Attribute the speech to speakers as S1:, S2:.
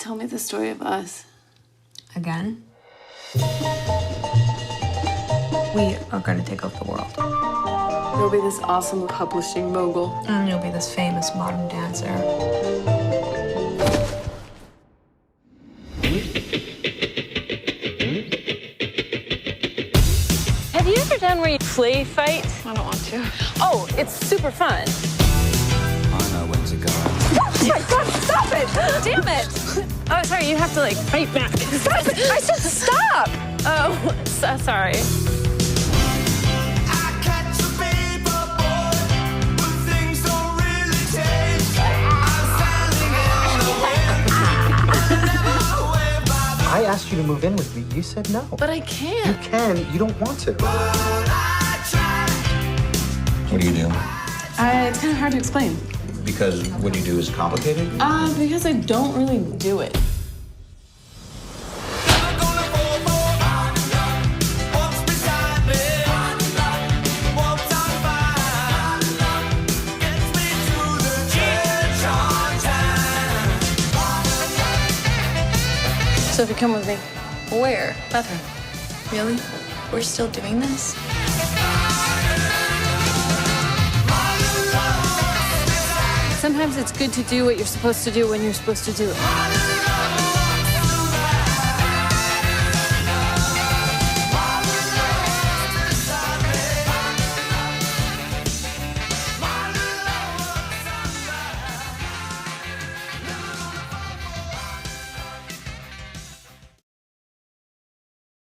S1: Tell me the story of us.
S2: Again? We are going to take over the world.
S1: You'll be this awesome publishing mogul.
S2: And you'll be this famous modern dancer.
S3: Have you ever done where you play fight?
S1: I don't want to.
S3: Oh, it's super fun.
S4: I know when to go.
S3: Oh my God, stop it! Damn it! Oh, sorry, you have to like fight back. Stop it! I said stop! Oh, so sorry.
S5: I asked you to move in with me. You said no.
S1: But I can't.
S5: You can. You don't want to.
S4: What do you do?
S1: It's kind of hard to explain.
S4: Because what you do is complicated?
S1: Because I don't really do it. So if you come with me.
S6: Where?
S1: Bathroom.
S6: Really? We're still doing this?
S1: Sometimes it's good to do what you're supposed to do when you're supposed to do it.